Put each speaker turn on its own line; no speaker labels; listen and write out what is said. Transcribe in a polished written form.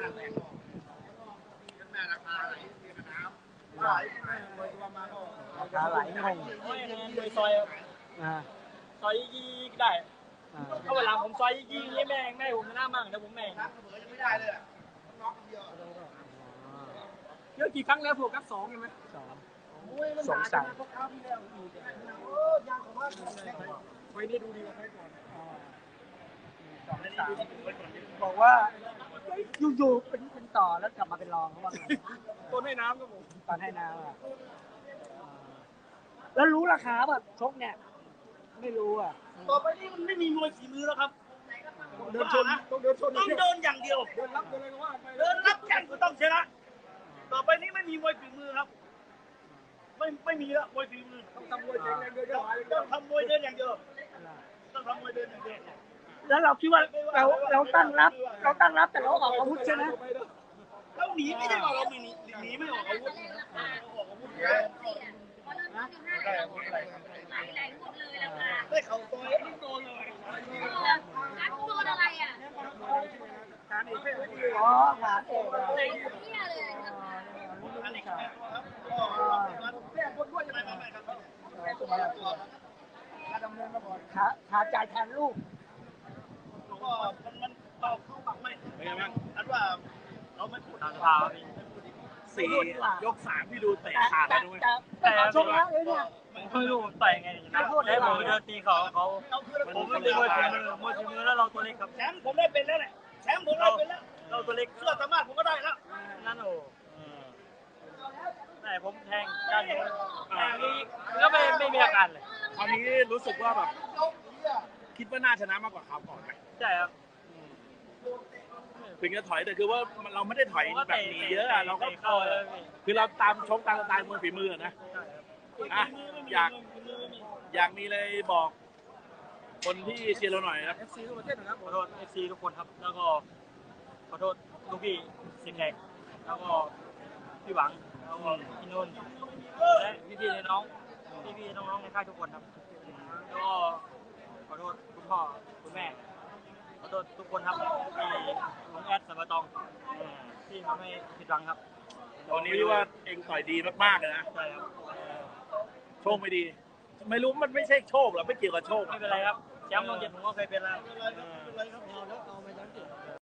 ราคาไหลงง
โดยซอยซอยยี่ได้ถ้าเวลาผมซอยยี่นี่แม่ผมหน้ามั่งแต่ผมแม่งไม่ได้เลยเยอะกี่ครั้งแล้วพวกกัด2ใช่ไหม
สงสัย
ไว้นี่ดูดีกว่าใครก่อน
บอกว่าอยู่ๆเป็นต่อแล้วกลับมาเป็นรองเขาว่าไง
ต้นให้น้ำครับผม
ตอนให้น้ำแล้วรู้ราคาป่ะชกเนี่ยไม่รู้อ่ะ
ต่อไปนี้มันไม่มีมวยฝีมือแล้วครับเดินชนต้องเดินชนต้องเดินอย่างเดียวเดินรับเดินอะไรก็ว่าไปเดินรับแข่งก็ต้องชนะต่อไปนี้ไม่มีมวยฝีมือครับไม่มีแล้วมวยฝีมือต้องทำมวยเดินอย่างเดียวต้องทำมวยเดินอย่างเดียวต้องทำมวยเดินอย่างเดียว
แล้วเราคิดว่าเราตั้งรับแต่เราออกอาวุธใช่ไหม
เราหนีไม่ได้ว่าเราไม่หนีไม่ออกอาวุธได้เข่าต่อยโดนเลย
โดนอะไรอ่ะ
การอีก
อ๋อขาเตะ
ไหนเนี่ยเลย
อันนี้ครับแค่คนด้วยจะไม่ครับ
ขาจ่ายแทนลูก
ก็มันเข้าปากไม่เป็นไงบ้างอันว่าเราไม่พูดทาง4 ยก 3พี่ดูเตะขาดแล้วด้วย
แต่ชกแล้วเนี่ย
ไม่รู้ต่อยไงแล้วผมเดินตีเขาผมไม่เป็นมวยฝีมือแล้วเราตัวเล็กครับแชมป์ผมได้เป็นแล้วแหละแชมป์ผมได้เป็นแล้วเราตัวเล็กเสื้อสามารถผมก็ได้แล้วนั่นโอ้แต่ผมแทงกันนี้ก็ไม่มีอาการเลย
คราวนี้รู้สึกว่าแบบคิดว่าน่าชนะมากกว่าคราวก่อนไหม
ใช่ครับ
ถึงจะถอยแต่คือว่าเราไม่ได้ถอยแบบนี้เยอะเราก็คือเราตามชกตามสไตล์มวยฝีมือนะอยากมีอะไรบอกคนที่เชียร์เราหน่อยครับ
FC ทุกประเทศนะครับขอโทษ FC ทุกคนครับแล้วก็ขอโทษลูกพี่สิงห์แดงแล้วก็พี่หวังแล้วก็พี่นุ่นและพี่น้องในค่ายทุกคนครับแล้วก็ขอโทษคุณพ่อคุณแม่ขอโทษทุกคนครับที่ลุงแอดสัมปะตองที่ทำให้ผิดหวังครับ
วันนี้ว่าเองต่อยดีมากๆเลยนะ
ใช่ครับ
โชคไม่ดีไม่รู้มันไม่ใช่โชคหรอไม่เกี่ยวกับโชค
ไม่เป็นไรครับแชมป์ลงเจ็ดผมก็เคยเป็นแล้ว